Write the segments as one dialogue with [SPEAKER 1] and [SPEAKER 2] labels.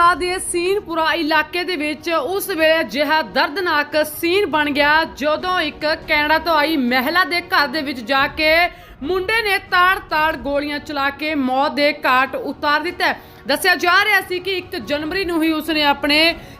[SPEAKER 1] ਲਾ ਦੇ ਸੀਨ ਪੂਰਾ ਇਲਾਕੇ ਦੇ ਵਿੱਚ ਉਸ ਵੇਲੇ ਅਜਿਹਾ ਦਰਦਨਾਕ ਸੀਨ ਬਣ ਗਿਆ ਜਦੋਂ ਇੱਕ ਕੈਨੇਡਾ ਤੋਂ ਆਈ ਮਹਿਲਾ ਦੇ ਘਰ ਦੇ ਵਿੱਚ ਜਾ ਕੇ ਮੁੰਡੇ ਨੇ ਤਾੜ-ਤਾੜ ਗੋਲੀਆਂ ਚਲਾ ਕੇ ਮੌਤ ਦੇ ਘਾਟ ਉਤਾਰ ਦਿੱਤਾ। ਦੱਸਿਆ ਜਾ ਰਿਹਾ ਸੀ ਕਿ 1 ਜਨਵਰੀ ਨੂੰ ਹੀ ਉਸਨੇ ਆਪਣੇ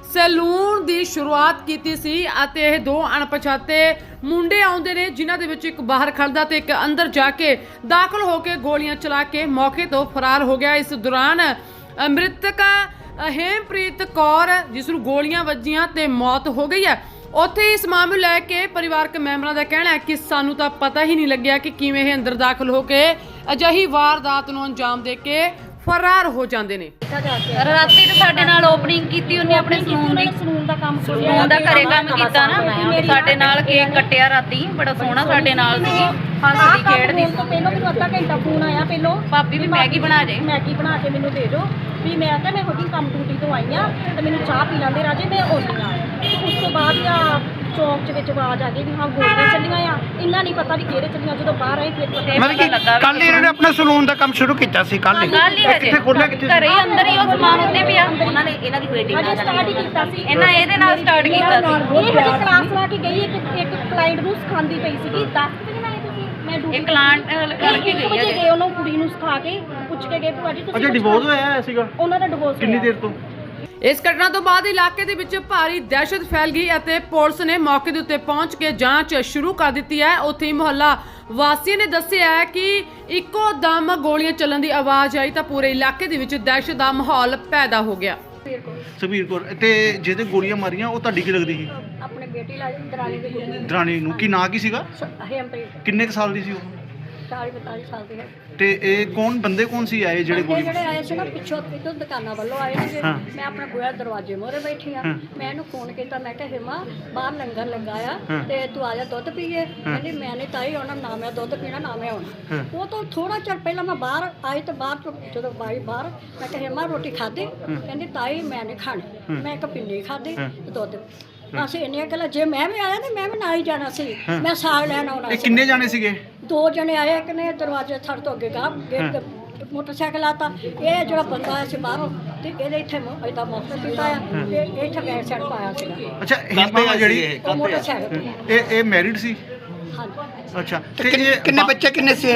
[SPEAKER 1] ਸੈਲੂਨ ਦੀ ਸ਼ੁਰੂਆਤ ਕੀਤੀ ਸੀ ਅਤੇ ਇਹ ਦੋ ਅਣਪਛਾਤੇ ਮੁੰਡੇ ਆਉਂਦੇ ਨੇ ਜਿਨ੍ਹਾਂ ਦੇ ਵਿੱਚ ਇੱਕ ਬਾਹਰ ਖੜਦਾ ਤੇ ਇੱਕ ਅੰਦਰ ਜਾ ਕੇ ਦਾਖਲ ਹੋ ਕੇ ਗੋਲੀਆਂ ਚਲਾ ਕੇ ਮੌਕੇ ਤੋਂ ਫਰਾਰ ਹੋ ਗਿਆ। ਇਸ ਦੌਰਾਨ ਮ੍ਰਿਤਕ ਹੇਮਪ੍ਰੀਤ ਕੌਰ ਜਿਸ ਨੂੰ ਗੋਲੀਆਂ ਵੱਜੀਆਂ ਤੇ ਮੌਤ ਹੋ ਗਈ ਹੈ। ਉੱਥੇ ਇਸ ਮਾਮਲੇ ਨੂੰ ਲੈ ਕੇ ਪਰਿਵਾਰਕ ਮੈਂਬਰਾਂ ਦਾ ਕਹਿਣਾ ਹੈ ਕਿ ਸਾਨੂੰ ਤਾਂ ਪਤਾ ਹੀ ਨਹੀਂ ਲੱਗਿਆ ਕਿ ਕਿਵੇਂ ਇਹ ਅੰਦਰ ਦਾਖਲ ਹੋ ਕੇ ਅਜਿਹੀ ਵਾਰਦਾਤ ਨੂੰ ਅੰਜਾਮ ਦੇ ਕੇ ਫਰਾਰ ਹੋ ਜਾਂਦੇ ਨੇ।
[SPEAKER 2] ਰਾਤੀ ਤੇ ਸਾਡੇ ਨਾਲ ਓਪਨਿੰਗ ਕੀਤੀ ਉਹਨੇ ਆਪਣੇ ਸਲੂਨ ਦਾ ਕੰਮ ਸਲੂਨ ਦਾ ਘਰੇ ਕੰਮ ਕੀਤਾ ਨਾ ਸਾਡੇ ਨਾਲ ਕੇਕ ਕੱਟਿਆ ਰਾਤੀ ਬੜਾ ਸੋਹਣਾ ਸਾਡੇ ਨਾਲ ਸੀਗੀ ਹੱਸਦੀ ਖੇਡਦੀ
[SPEAKER 3] ਤੋਂ ਪਹਿਲਾਂ ਮੈਨੂੰ ਅੱਧਾ ਘੰਟਾ ਫੋਨ ਆਇਆ ਪਹਿਲਾਂ
[SPEAKER 2] ਭਾਬੀ ਵੀ ਮੈਗੀ ਬਣਾ
[SPEAKER 3] ਕੇ ਮੈਨੂੰ ਦੇ ਦਿਓ ਵੀ ਮੈਂ ਕਿਹਾ ਮੈਂ ਹੁਣੀ ਕੰਮ ਡਿਊਟੀ ਤੋਂ ਆਈ ਆ ਤੇ ਮੈਨੂੰ ਚਾਹ ਪੀ ਲੈਂਦੇ ਰਾਜੇ ਮੈਂ ਆਉਂਦੀ ਆ। ਉਸ ਤੋਂ ਬਾਅਦ ਆ ਚੌਂਕ ਚ ਵਿੱਚ ਆਵਾਜ਼ ਆ ਗਈ ਵੀ ਹਾਂ ਗੋਲੀਆਂ ਚੱਲੀਆਂ ਆ। ਇੰਨਾ ਨਹੀਂ ਪਤਾ ਵੀ ਕਿਹੜੇ ਚੱਲੀਆਂ ਜਦੋਂ ਬਾਹਰ ਆਏ ਫਿਰ ਪਤਾ
[SPEAKER 4] ਮਤਲਬ ਕਿ ਕੱਲ ਇਹਨਾਂ ਨੇ ਆਪਣਾ ਸਲੂਨ ਦਾ ਕੰਮ ਸ਼ੁਰੂ ਕੀਤਾ ਸੀ ਕੱਲ
[SPEAKER 2] ਕਿੱਥੇ
[SPEAKER 4] ਖੋਲਿਆ ਕਿੱਥੇ
[SPEAKER 2] ਘਰੇ ਹੀ ਅੰਦਰ ਹੀ ਉਹ ਸਮਾਨ ਉੱਤੇ ਪਿਆ
[SPEAKER 3] ਉਹਨਾਂ ਨੇ ਇਹਨਾਂ ਦੀ ਵੇਟਿੰਗ ਨਾਲ ਸਟਾਰਟ ਹੀ ਕੀਤਾ ਸੀ।
[SPEAKER 2] ਇਹਦੇ ਨਾਲ ਸਟਾਰਟ ਕੀਤਾ ਸੀ।
[SPEAKER 3] ਇਹ ਹਜੇ ਕਲਾਸ ਲਾ ਕੇ ਗਈ ਇੱਕ ਕਲਾਇੰਟ ਨੂੰ ਸਿਖਾਉਂਦੀ ਪਈ ਸੀਗੀ 10 ਵਜੇ ਨਾਲ ਤੁਸੀਂ ਮੈਂ ਡਿਊਟੀ
[SPEAKER 2] ਇੱਕ ਕਲਾਇੰਟ ਕਰਕੇ ਗਈ ਹੈ
[SPEAKER 3] ਗਏ ਉਹਨੂੰ ਕੁੜੀ ਨੂੰ ਸਿਖਾ ਕੇ ਪੁੱਛ ਕੇ ਗਏ ਭੂਆ ਜੀ ਤੁਸੀਂ
[SPEAKER 4] ਅੱਛਾ ਡਿਵੋਰਸ ਹੋਇਆ ਸੀਗਾ
[SPEAKER 3] ਉਹਨਾਂ ਦਾ ਡਿਵੋਰਸ
[SPEAKER 4] ਕਿੰਨੀ ਦੇਰ ਤੋਂ?
[SPEAKER 1] ਇਸ ਘਟਨਾ ਤੋਂ ਬਾਅਦ ਇਲਾਕੇ ਦੇ ਵਿੱਚ ਭਾਰੀ ਦਹਿਸ਼ਤ ਫੈਲ ਗਈ ਅਤੇ ਪੁਲਿਸ ਨੇ ਮੌਕੇ ਦੇ ਉੱਤੇ ਪਹੁੰਚ ਕੇ ਜਾਂਚ ਸ਼ੁਰੂ ਕਰ ਦਿੱਤੀ ਹੈ। ਉੱਥੇ ਹੀ ਮੁਹੱਲਾ ਵਾਸੀਆਂ ਨੇ ਦੱਸਿਆ ਹੈ ਕਿ ਇੱਕੋ ਦਮ ਗੋਲੀਆਂ ਚੱਲਣ ਦੀ ਆਵਾਜ਼ ਆਈ ਤਾਂ ਪੂਰੇ ਇਲਾਕੇ ਦੇ ਵਿੱਚ ਦਹਿਸ਼ਤ ਦਾ ਮਾਹੌਲ ਪੈਦਾ ਹੋ ਗਿਆ।
[SPEAKER 4] ਸੁਖਬੀਰ ਕੌਰ ਤੇ ਜਿਹਦੇ ਗੋਲੀਆਂ ਮਾਰੀਆਂ ਉਹ ਤੁਹਾਡੀ ਕੀ ਲੱਗਦੀ ਸੀ?
[SPEAKER 3] ਆਪਣੇ ਬੇਟੀ ਲਾਈ ਦਰਾਣੀ ਦੇ ਗੁਰੂ
[SPEAKER 4] ਦਰਾਣੀ ਨੂੰ ਕੀ ਨਾਂ ਕੀ ਸੀਗਾ?
[SPEAKER 3] ਹੇਮਪ੍ਰੀਤ
[SPEAKER 4] ਕਿੰਨੇ ਕੁ ਸਾਲ ਦੀ ਸੀ ਉਹ?
[SPEAKER 3] 40-42 ਸਾਲ ਦੀ ਹੈ।
[SPEAKER 4] ਤੇ ਇਹ ਬੰਦੇ ਕੌਣ ਸੀ ਆਏ ਜਿਹੜੇ ਗੋਲੀ
[SPEAKER 3] ਜਿਹੜੇ ਆਏ ਸੀ ਨਾ ਪਿੱਛੋਂ ਇਦੋਂ ਦੁਕਾਨਾਂ ਵੱਲੋਂ ਆਏ ਸੀਗੇ।
[SPEAKER 4] ਹਾਂ।
[SPEAKER 3] ਮੈਂ ਆਪਣਾ ਬੂਹਾ ਦਰਵਾਜ਼ੇ ਮੋਰੇ ਬੈਠੀ ਆ।
[SPEAKER 4] ਹਾਂ।
[SPEAKER 3] ਮੈਂ ਇਹਨੂੰ ਫੋਨ ਕੀਤਾ ਮੈਂ ਕਿਹਾ ਹਿਮਾ ਬਾਹਰ ਲੰਗਰ ਲਗਾਇਆ
[SPEAKER 4] ਹਾਂ।
[SPEAKER 3] ਤੇ ਤੂੰ ਆ ਜਾ ਦੁੱਧ ਪੀਏ। ਕਹਿੰਦੀ ਮੈਂ ਨਹੀਂ ਤਾਈ ਆਉਣਾ ਨਾ ਮੈਂ ਦੁੱਧ ਪੀਣਾ ਨਾ ਮੈਂ ਆਉਣਾ।
[SPEAKER 4] ਹਾਂ।
[SPEAKER 3] ਉਹ ਤੋਂ ਥੋੜਾ ਚਿਰ ਪਹਿਲਾਂ ਮੈਂ ਬਾਹਰ ਆਈ ਤੇ ਬਾਹਰ ਤੋਂ ਜਦੋਂ ਬਾਈ ਬਾਹਰ ਮੈਂ ਕਿਹਾ ਹਿਮਾ ਰੋਟੀ ਖਾਧੀ? ਕਹਿੰਦੀ ਤਾਈ ਮੈਂ ਨਹੀਂ ਖਾਣੀ। ਮੈਂ ਇੱਕ ਪਿੰਨੀ ਖਾਧੀ ਤੇ ਦੁੱਧ। ਅਸੀਂ ਇੰਨੀਆਂ ਗੱਲਾਂ ਜੇ ਮੈਂ ਵੀ ਆਇਆ ਤੇ ਮੈਂ ਵੀ ਨਾਲ ਹੀ ਜਾਣਾ ਸੀ। ਮੈਂ ਸਾਗ ਲੈਣ ਆਉਣਾ
[SPEAKER 4] ਇਹ
[SPEAKER 3] ਸੀ।
[SPEAKER 4] ਕਿੰਨੇ ਜਾਣੇ ਸੀਗੇ?
[SPEAKER 3] 2 ਜਣੇ ਆਏ ਇੱਕ ਨੇ ਦਰਵਾਜ਼ੇ ਥੜ ਤੋਂ ਅੱਗੇ ਗਾ ਗੇਟ ਤੇ ਮੋਟਰਸਾਈਕਲ ਆਤਾ। ਇਹ ਜਿਹੜਾ ਬੰਦਾ ਆਇਆ ਸੀ ਬਾਹਰੋਂ ਤੇ ਇਹਦੇ ਇੱਥੇ ਇਦਾਂ ਮੌਕਾ ਕੀਤਾ ਆ ਤੇ ਇੱਥੇ ਬੈਕ ਸਾਈਡ ਪਾਇਆ ਸੀਗਾ।
[SPEAKER 4] ਅੱਛਾ ਹਿੰਮਾ ਜਿਹੜੀ
[SPEAKER 3] ਉਹ ਮੋਟਰਸਾਈਕਲ ਤੇ
[SPEAKER 4] ਇਹ ਮੈਰਿਡ ਸੀ?
[SPEAKER 3] ਹਾਂਜੀ।
[SPEAKER 4] ਅੱਛਾ ਤੇ ਕਿੰਨੇ ਬੱਚੇ ਕਿੰਨੇ ਸੀ?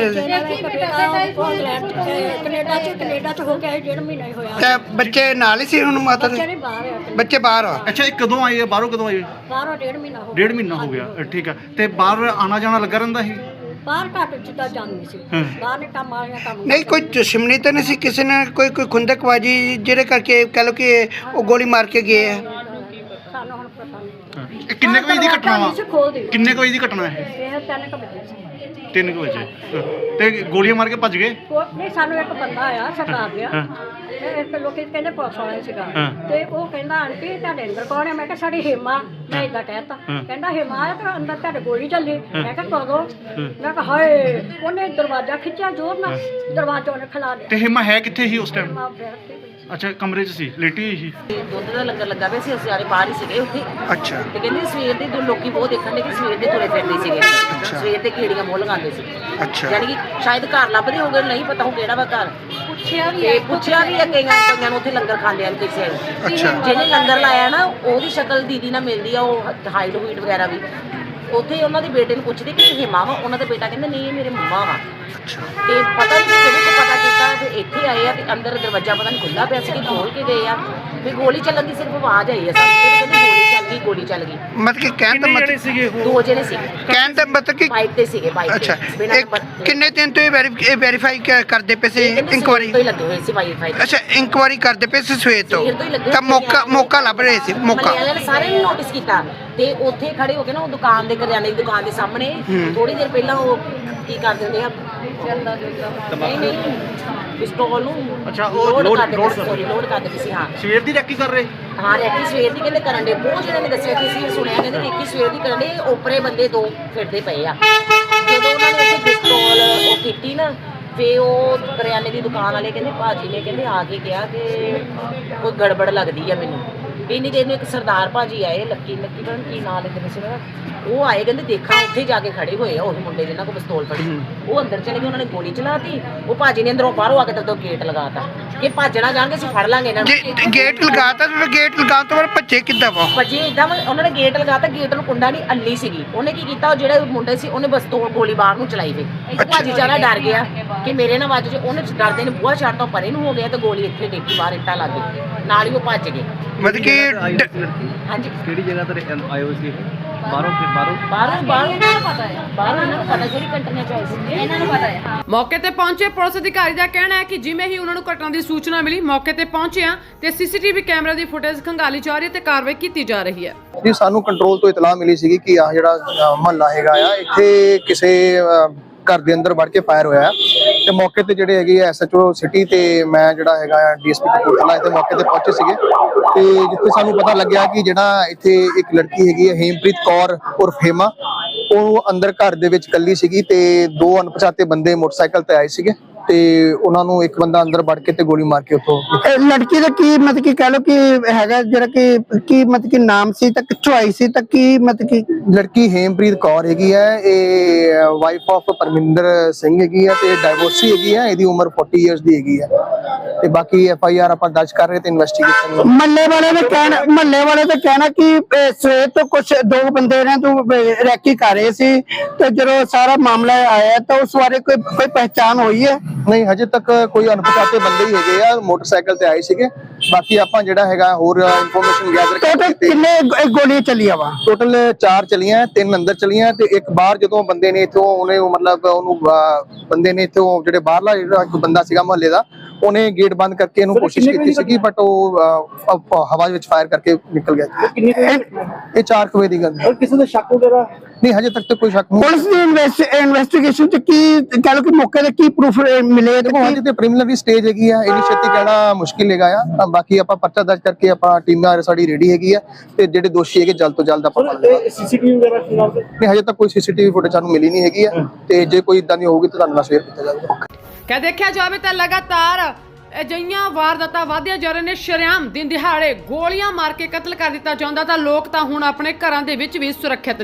[SPEAKER 3] ਕੈਨੇਡਾ ਚ ਹੋ ਕੇ ਆਏ 1.5 ਮਹੀਨਾ ਹੀ ਹੋਇਆ।
[SPEAKER 4] ਤੇ ਬੱਚੇ ਨਾਲ ਹੀ ਸੀ ਹੁਣ ਮਾਤਾ
[SPEAKER 3] ਬੱਚੇ ਨਹੀਂ ਬਾਹਰ ਆ।
[SPEAKER 4] ਬੱਚੇ ਬਾਹਰ ਆ? ਅੱਛਾ ਇਹ ਕਦੋਂ ਆਏ ਆ? ਬਾਹਰੋਂ ਕਦੋਂ ਆਏ?
[SPEAKER 3] ਬਾਹਰੋਂ 1.5 ਮਹੀਨਾ ਹੋ ਗਿਆ।
[SPEAKER 4] 1.5 ਮਹੀਨਾ ਹੋ ਗਿਆ ਠੀਕ ਆ। ਤੇ ਬਾਹਰ ਆਣਾ ਜਾਣਾ ਲੱਗਾ ਰਹਿੰਦਾ ਸੀ?
[SPEAKER 3] ਬਾਹਰ ਘੱਟ ਜਿੱਦਾਂ ਜਾਂਦੀ ਸੀ। ਬਾਹਰ ਨੇ ਕੰਮ ਵਾਲੀਆਂ ਕੰਮ
[SPEAKER 5] ਨਹੀਂ ਕੋਈ ਦੁਸ਼ਮਣੀ ਤਾਂ ਨਹੀਂ ਸੀ ਕਿਸੇ ਨੇ? ਕੋਈ ਖੁੰਦਕਬਾਜੀ ਜਿਹੜੇ ਕਰਕੇ ਕਹ ਲਓ ਕਿ ਉਹ ਗੋਲੀ ਮਾਰ ਕੇ ਗਏ ਆ?
[SPEAKER 3] ਸਾਨੂੰ ਹੁਣ ਪਤਾ ਨਹੀਂ।
[SPEAKER 4] ਇਹ ਕਿੰਨੇ ਕੁ ਵਜੇ ਦੀ ਘਟਨਾ ਵਾ?
[SPEAKER 3] ਖੋਲ ਦੇ
[SPEAKER 4] ਕਿੰਨੇ ਕੁ ਵਜੇ ਦੀ ਘਟਨਾ ਹੈ?
[SPEAKER 3] ਇਹ 3 ਵਜੇ ਸੀ।
[SPEAKER 4] 3 ਵਜੇ ਤੇ ਗੋਲੀਆਂ ਮਾਰ ਕੇ ਭੱਜ ਗਏ?
[SPEAKER 3] ਨਹੀਂ ਸਾਨੂੰ ਇੱਕ ਬੰਦਾ ਆਇਆ ਸਰਕਾਰ ਗਿਆ ਇੱਕ ਲੋਕੀ ਕਹਿੰਦੇ ਪੁਲਿਸ ਵਾਲਾ ਸੀਗਾ ਤੇ ਉਹ ਕਹਿੰਦਾ ਆਂਟੀ ਤੁਹਾਡੇ ਅੰਦਰ ਕੌਣ ਹੈ? ਮੈਂ ਕਿਹਾ ਸਾਡੀ ਹਿਮਾ। ਮੈਂ ਇਦਾਂ ਕਹਿਤਾ। ਕਹਿੰਦਾ ਹਿਮਾ ਆ ਤੇ ਅੰਦਰ ਤੁਹਾਡੇ ਗੋਲੀ ਚੱਲੀ। ਮੈਂ ਕਿਹਾ ਕਦੋਂ? ਮੈਂ ਕਿਹਾ ਹਾਏ ਉਹਨੇ ਦਰਵਾਜ਼ਾ ਖਿੱਚਿਆ ਜ਼ੋਰ ਨਾਲ ਦਰਵਾਜ਼ਾ ਉਹਨੇ ਖਿਲਾ ਦਿਆ।
[SPEAKER 4] ਤੇ ਹਿਮਾ ਹੈ ਕਿੱਥੇ ਸੀ ਉਸ ਟਾਈਮ?
[SPEAKER 3] ਹਿਮਾ ਬੈਠ ਕੇ
[SPEAKER 4] ਅੱਛਾ ਕਮਰੇ 'ਚ ਸੀ ਲੇਟੀ ਹੋਈ ਸੀ?
[SPEAKER 6] ਦੁੱਧ ਦਾ ਲੰਗਰ ਲੱਗਾ ਪਿਆ ਸੀ ਅਸੀਂ ਸਾਰੇ ਬਾਹਰ ਹੀ ਸੀਗੇ ਉੱਥੇ।
[SPEAKER 4] ਅੱਛਾ
[SPEAKER 6] ਤੇ ਕਹਿੰਦੇ ਸਵੇਰ ਦੇ ਲੋਕੀ ਬਹੁਤ ਦੇਖਣ ਦੇ ਕਿ ਸਵੇਰ ਦੇ ਤੁਰੇ ਫਿਰਦੇ ਸੀਗੇ। ਸਵੇਰ ਦੇ ਕੀੜੀਆਂ ਮੋਹ ਲਗਾਉਂਦੇ ਸੀ।
[SPEAKER 4] ਅੱਛਾ
[SPEAKER 6] ਯਾਨੀ ਕਿ ਸ਼ਾਇਦ ਘਰ ਲੱਭਦੇ ਹੋਗੇ ਨਹੀਂ ਪਤਾ ਹੁਣ ਕਿਹੜਾ ਵਾ ਘਰ। ਪੁੱਛਿਆ ਵੀ ਹੈ ਕਈਆਂ ਨੂੰ ਉੱਥੇ ਲੰਗਰ ਖਾਂਦੇ ਹਨ ਕਿਸੇ ਨੂੰ। ਜਿਹਨੇ ਲੰਗਰ ਲਾਇਆ ਨਾ ਉਹਦੀ ਸ਼ਕਲ ਦੀਦੀ ਨਾਲ ਮਿਲਦੀ ਆ ਉਹ ਹਾਈਟ ਹੂਈਟ ਵਗੈਰਾ ਵੀ। ਉੱਥੇ ਉਹਨਾਂ ਦੇ ਬੇਟੇ ਨੂੰ ਪੁੱਛਦੇ ਕਿ ਇਹ ਹਿਮਾ ਵਾ? ਉਹਨਾਂ ਦੇ ਬੇਟਾ ਕਹਿੰਦਾ ਨਹੀਂ ਇਹ ਮੇਰੇ ਮੰਮਾ ਵਾ। ਤੇ ਪਤਾ ਨਹੀਂ ਕਿਹੜੇ ਤੋਂ ਪਤਾ ਕੀਤਾ ਤੇ ਇੱਥੇ ਆਏ ਆ ਤੇ ਅੰਦਰ ਦਰਵਾਜ਼ਾ ਪਤਾ ਨਹੀਂ ਖੁੱਲ੍ਹਾ ਪਿਆ ਸੀ ਕਿ ਖੋਲ ਕੇ ਗਏ ਆ ਵੀ ਗੋਲੀ ਚੱਲਣ ਦੀ ਸਿਰਫ ਆਵਾਜ਼ ਆਈ ਆ ਸਾਨੂੰ। ਕਹਿੰਦੇ ਗੋਲੀ ਚੱਲ ਗਈ।
[SPEAKER 5] ਮਤਲਬ ਕਿ ਕਹਿਣ ਦਾ ਮਤਲਬ
[SPEAKER 4] ਸੀਗੇ
[SPEAKER 6] 2 ਜਣੇ ਸੀ।
[SPEAKER 5] ਕਹਿਣ ਦਾ ਮਤਲਬ ਕਿ
[SPEAKER 6] ਬਾਈਕ ਤੇ ਸੀਗੇ ਬਾਈਕ
[SPEAKER 5] ਅੱਛਾ
[SPEAKER 6] ਤੇ
[SPEAKER 5] ਕਿੰਨੇ ਦਿਨ ਤੋਂ ਇਹ ਵੈਰੀਫਾਈ ਕਰਦੇ ਪਏ ਸੀ? ਇਨਕੁਆਰੀ
[SPEAKER 6] ਤੋਂ ਹੀ ਲੱਗੇ ਹੋਏ ਸੀ ਵਾਈਫਾਈ।
[SPEAKER 5] ਅੱਛਾ ਇਨਕੁਆਰੀ ਕਰਦੇ ਪਏ ਸੀ ਸਵੇਰ ਤੋਂ ਤਾਂ ਮੌਕਾ ਲੱਭ ਰਹੇ ਸੀ? ਮੌਕਾ
[SPEAKER 6] ਵਾਲਿਆਂ ਨੇ ਸਾਰੇ ਨੂੰ ਨੋਟਿਸ ਕੀਤਾ ਤੇ ਉੱਥੇ ਖੜੇ ਹੋ ਕੇ ਨਾ ਉਹ ਦੁਕਾਨ ਦੇ ਕਰਿਆਨੇ ਦੀ ਦੁਕਾਨ ਦੇ ਸਾਹਮਣੇ ਥੋੜੀ ਦੇਰ ਪਹਿਲਾਂ ਉਹ ਕੀ ਕਰਦੇ ਹੁੰਦੇ ਆ ਨਹੀਂ ਪਿਸਤੌਲ ਨੂੰ
[SPEAKER 4] ਅੱਛਾ ਉਹ ਲੋਡ
[SPEAKER 6] ਕਰਦੇ ਸੀ। ਹਾਂ
[SPEAKER 4] ਸਵੇਰ ਦੀ ਰੈਕੀ ਕਰ ਰਹੇ?
[SPEAKER 6] ਹਾਂ ਰੈਕੀ ਸਵੇਰ ਦੀ ਕਹਿੰਦੇ ਕਰਨ ਦੇ ਬਹੁਤ ਜਿਹੜੇ ਨੇ ਦੱਸਿਆ ਕਿ ਅਸੀਂ ਸੁਣਿਆ ਕਹਿੰਦੇ ਰੈਕੀ ਸਵੇਰ ਦੀ ਕਰਨ ਦੇ ਓਪਰੇ ਬੰਦੇ 2 ਫਿਰਦੇ ਪਏ ਆ। ਜਦੋਂ ਉਹਨਾਂ ਨੇ ਉੱਥੇ ਪਿਸਤੌਲ ਉਹ ਕੀਤੀ ਨਾ ਫੇ ਉਹ ਕਰਿਆਨੇ ਦੀ ਦੁਕਾਨ ਵਾਲੇ ਕਹਿੰਦੇ ਭਾਜੀ ਨੇ ਕਹਿੰਦੇ ਆ ਕੇ ਕਿਹਾ ਕਿ ਕੋਈ ਗੜਬੜ ਲੱਗਦੀ ਆ ਮੈਨੂੰ। ਇੰਨੀ ਦੇਰ ਨੂੰ ਇੱਕ ਸਰਦਾਰ ਭਾਜੀ ਆਏ, ਲੱਕੀ ਪਤਾ ਨੀ ਕੀ ਨਾਂ ਲਿਖਦੇ ਸੀ ਨਾ, ਉਹ ਆਏ, ਕਹਿੰਦੇ ਦੇਖਾਂ ਉੱਥੇ ਜਾ ਕੇ ਖੜੇ ਹੋਏ ਆ ਉਹੀ ਮੁੰਡੇ ਜਿਨ੍ਹਾਂ ਕੋਲ ਪਿਸਤੌਲ ਫੜੀ। ਉਹ ਅੰਦਰ ਚਲੇ ਗਏ, ਉਹਨਾਂ ਨੇ ਗੋਲੀ ਚਲਾਤੀ। ਉਹ ਭਾਜੀ ਨੇ ਅੰਦਰੋਂ ਬਾਹਰੋਂ ਆ ਕੇ ਤਾਂ ਗੇਟ ਲਗਾਤਾ ਕਿ ਭੱਜਣਾ ਜਾਣਗੇ, ਅਸੀਂ ਫੜ ਲਾਂਗੇ ਇਹਨਾਂ ਨੂੰ।
[SPEAKER 5] ਗੇਟ ਲਗਾਤਾ ਤੇ ਗੇਟ ਲਗਾਉਣ ਤੋਂ ਬਾਅਦ ਭੱਜੇ ਕਿੱਦਾਂ ਵਾ?
[SPEAKER 6] ਭੱਜੇ ਇਦਾਂ, ਉਹਨਾਂ ਨੇ ਗੇਟ ਲਗਾਤਾ, ਗੇਟ ਨੂੰ ਕੁੰਡਾ ਨਹੀਂ, ਅੱਲੀ ਸੀਗੀ। ਉਹਨੇ ਕੀ ਕੀਤਾ, ਉਹ ਜਿਹੜੇ ਮੁੰਡੇ ਸੀ ਉਹਨੇ ਬਸ ਗੋਲੀ ਬਾਹਰ ਨੂੰ ਚਲਾਈ ਵੇ। ਭਾਜੀ ਚਾਰਾ ਡਰ ਗਿਆ ਕਿ ਮੇਰੇ ਨਾਲ ਵੱਜ ਜੇ, ਉਹਨੇ ਡਰਦੇ ਨੇ ਬੂਹਾ ਛੱਡ ਤੋਂ ਪਰੇ ਨੂੰ ਹੋ ਗਿਆ ਤੇ ਗੋਲੀ ਇੱਥੇ ਡੇਕੀ ਬਾਹਰ ਇੱਟਾਂ ਲੱਗ ਗਈ, ਨਾਲ ਹੀ ਉਹ ਭੱਜ ਗਏ।
[SPEAKER 5] ਮਤਲਬ ਕਿ
[SPEAKER 6] ਹਾਂਜੀ,
[SPEAKER 4] ਕਿਹੜੀ ਜਗ੍ਹਾ ਤੇ ਆਏ ਹੋ ਸੀ? ਬਾਹਰੋਂ
[SPEAKER 6] ਇਹਨਾਂ ਨੂੰ ਪਤਾ ਹੈ, ਬਾਹਰੋਂ ਇਹਨਾਂ ਨੂੰ ਪਤਾ ਜਿਹੜੀ ਕੰਟਰੀਆਂ ਚ ਆਏ ਸੀ, ਇਹਨਾਂ ਨੂੰ ਪਤਾ ਹੈ।
[SPEAKER 1] ਮੌਕੇ ਤੇ ਪਹੁੰਚੇ ਪੁਲਿਸ ਅਧਿਕਾਰੀ ਦਾ ਕਹਿਣਾ ਹੈ ਕਿ ਜਿਵੇਂ ਹੀ ਉਹਨਾਂ ਨੂੰ ਘਟਨਾ ਦੀ ਸੂਚਨਾ ਮਿਲੀ, ਮੌਕੇ ਤੇ ਪਹੁੰਚਿਆ ਤੇ ਸੀਸੀਟੀਵੀ ਕੈਮਰਾ ਦੀ ਫੁਟੇਜ ਖੰਗਾਲੀ ਜਾ ਰਹੀ ਹੈ ਤੇ ਕਾਰਵਾਈ ਕੀਤੀ ਜਾ ਰਹੀ ਹੈ।
[SPEAKER 7] ਜੀ ਸਾਨੂੰ ਕੰਟਰੋਲ ਤੋਂ ਇਤਲਾਹ ਮਿਲੀ ਸੀਗੀ ਕਿ ਆਹ ਜਿਹੜਾ ਮਹੱਲਾ ਹੈਗਾ ਆ, ਇੱਥੇ ਕਿਸੇ ਘਰ ਦੇ ਅੰਦਰ ਵੜ ਕੇ ਫਾਇਰ ਹੋਇਆ ਤੇ ਮੌਕੇ ਤੇ ਜਿਹੜੇ ਹੈਗੇ ਐਸਐਚਓ ਸਿਟੀ ਤੇ ਮੈਂ ਜਿਹੜਾ ਹੈਗਾ ਡੀਐਸਪੀ ਕਪੂਰਥਲਾ ਇੱਥੇ ਮੌਕੇ ਤੇ ਪਹੁੰਚੇ ਸੀਗੇ ਤੇ ਜਿੱਥੇ ਸਾਨੂੰ ਪਤਾ ਲੱਗਿਆ ਕਿ ਜਿਹੜਾ ਇੱਥੇ ਇੱਕ ਲੜਕੀ ਹੈਗੀ ਹੈ ਹੇਮਪ੍ਰੀਤ ਕੌਰ ਉਰਫ ਹੇਮਾ, ਉਹ ਅੰਦਰ ਘਰ ਦੇ ਵਿੱਚ ਇਕੱਲੀ ਸੀਗੀ ਤੇ ਦੋ ਅਣਪਛਾਤੇ ਬੰਦੇ ਮੋਟਰਸਾਈਕਲ ਤੇ ਆਏ ਸੀਗੇ ਤੇ ਉਹਨਾਂ ਨੂੰ ਇੱਕ ਬੰਦਾ ਅੰਦਰ ਵੜ ਕੇ ਤੇ ਗੋਲੀ ਮਾਰ ਕੇ ਉੱਥੋਂ।
[SPEAKER 5] ਲੜਕੀ ਦਾ ਕੀ ਮਤਲਬ ਕਿ ਕਹਿ ਲੋ ਕਿ ਹੈਗਾ ਜਿਹੜਾ ਕਿ ਕੀ ਮਤਲਬ ਕਿ ਨਾਮ ਸੀ ਤਾਂ ਕਿੱਥੋਂ ਆਈ ਸੀ ਤਾਂ ਕੀ ਮਤਲਬ ਕਿ?
[SPEAKER 7] ਲੜਕੀ ਹੇਮਪ੍ਰੀਤ ਕੌਰ ਹੈਗੀ ਹੈ, ਇਹ ਵਾਈਫ ਆਫ ਪਰਮਿੰਦਰ ਸਿੰਘ ਹੈਗੀ ਹੈ ਤੇ ਡਾਈਵੋਰਸੀ ਹੈਗੀ ਹੈ, ਇਹਦੀ ਉਮਰ 40 ਇਅਰਸ ਦੀ ਹੈਗੀ ਹੈ ਤੇ ਬਾਕੀ ਐਫਆਈਆਰ ਆਪਾਂ ਦਰਜ ਕਰ ਰਹੇ ਤੇ ਇਨਵੈਸਟੀਗੇਸ਼ਨ।
[SPEAKER 5] ਮਹੱਲੇ ਵਾਲੇ ਦਾ ਕਹਿਣਾ ਕਿ ਸਵੇਰ ਤੋਂ ਕੁਝ ਦੋ ਬੰਦੇ ਨੇ ਤੋਂ ਰੈਕੀ ਕਰ ਰਹੇ ਸੀ ਤੇ ਜਦੋਂ ਸਾਰਾ ਮਾਮਲਾ ਆਇਆ ਤਾਂ ਉਸ ਬਾਰੇ ਕੋਈ ਪਹਿਚਾਣ ਹੋਈ ਹੈ?
[SPEAKER 7] ਨਹੀਂ, ਹਜੇ ਤੱਕ ਕੋਈ ਅਣਪਛਾਤੇ ਬੰਦੇ ਹੀ ਹੈਗੇ ਆ, ਮੋਟਰਸਾਈਕਲ ਤੇ ਆਏ ਸੀਗੇ। ਬਾਕੀ ਆਪਾਂ ਜਿਹੜਾ ਹੈਗਾ ਹੋਰ ਇਨਫੋਰਮੇਸ਼ਨ ਗੈਦਰ
[SPEAKER 5] ਟੋਟਲ ਕਿੰਨੇ ਗੋਲੀਆਂ ਚੱਲੀਆਂ ਵਾ?
[SPEAKER 7] ਟੋਟਲ 4 ਚਲੀਆਂ, 3 ਅੰਦਰ ਚਲੀਆਂ ਤੇ ਇੱਕ ਬਾਹਰ ਜਦੋਂ ਬੰਦੇ ਨੇ ਇਥੋਂ ਉਹਨੇ ਮਤਲਬ ਉਹਨੂੰ ਬੰਦੇ ਨੇ ਇਥੋਂ ਜਿਹੜੇ ਬਾਹਰਲਾ ਜਿਹੜਾ ਇੱਕ ਬੰਦਾ ਸੀਗਾ ਮੁਹੱਲੇ ਦਾ, ਉਹਨੇ ਗੇਟ ਬੰਦ ਕਰਕੇ ਇਹਨੂੰ ਕੋਸ਼ਿਸ਼ ਕੀਤੀ ਸੀਗੀ ਬਟ ਉਹ ਹਵਾ ਵਿੱਚ ਫਾਇਰ ਕਰਕੇ ਨਿਕਲ ਗਿਆ। ਇਹ 4 ਵਜੇ ਦੀ ਗੱਲ ਹੈ।
[SPEAKER 4] ਕਿਸੇ ਦਾ ਸ਼ੱਕ ਵਗੈਰਾ
[SPEAKER 7] ਨਹੀਂ, ਹਜੇ ਤੱਕ ਤਾਂ ਕੋਈ ਸ਼ੱਕ ਨਹੀਂ।
[SPEAKER 5] ਪੁਲਿਸ ਦੀ ਇਨਵੈਸਟੀਗੇਸ਼ਨ ਚ ਕੀ ਕਹ ਲੋ ਕਿ ਮੌਕੇ ਤੇ ਕੀ ਪ੍ਰੂਫ ਮਿਲੇ?
[SPEAKER 7] ਦੇਖੋ ਹਜੇ ਤੇ ਪ੍ਰੀਲਿਮਿਨਰੀ ਸਟੇਜ ਹੈਗੀ ਆ, ਇੰਨੀ ਛੇਤੀ ਕਹਿਣਾ ਮੁਸ਼ਕਿਲ ਹੈਗਾ ਆ। ਬਾਕੀ ਆਪਾਂ ਪਰਚਾ ਦਰਜ ਕਰਕੇ ਆਪਾਂ ਟੀਮਾਂ ਸਾਡੀ ਰੈਡੀ ਹੈਗੀ ਆ ਤੇ ਜਿਹੜੇ ਦੋਸ਼ੀ ਹੈਗੇ ਜਲਦ ਤੋਂ ਜਲਦ ਆਪਾਂ ਫੜ ਲਵਾਂਗੇ।
[SPEAKER 4] ਸੀਸੀਟੀਵੀ ਵਗੈਰਾ
[SPEAKER 7] ਨਹੀਂ, ਹਜੇ ਤੱਕ ਕੋਈ ਸੀਸੀਟੀਵੀ ਫੁਟੇਜ ਸਾਨੂੰ ਮਿਲੀ ਨਹੀਂ ਹੈਗੀ ਆ ਤੇ ਜੇ ਕੋਈ ਇਦਾਂ ਦੀ ਹੋਊਗੀ ਤਾਂ ਤੁਹਾਨੂੰ ਨਾਲ ਸ਼ੇਅਰ ਕੀਤਾ ਜਾਵੇਗਾ।
[SPEAKER 1] ਕਿ ਦੇਖਿਆ ਜਾਵੇ ਤਾਂ ਲਗਾਤਾਰ ਅਜਿਹੀਆਂ ਵਾਰਦਾਤਾਂ ਵਧਦੀਆਂ ਜਾ ਰਹੀਆਂ ਨੇ। ਸ਼ਰੇਆਮ ਦਿਨ ਦਿਹਾੜੇ ਗੋਲੀਆਂ ਮਾਰ ਕੇ ਕਤਲ ਕਰ ਦਿੱਤਾ ਜਾਂਦਾ ਤਾਂ ਲੋਕ ਤਾਂ ਹੁਣ ਆਪਣੇ ਘਰਾਂ ਦੇ ਵਿੱਚ ਵੀ ਸੁਰੱਖਿਅਤ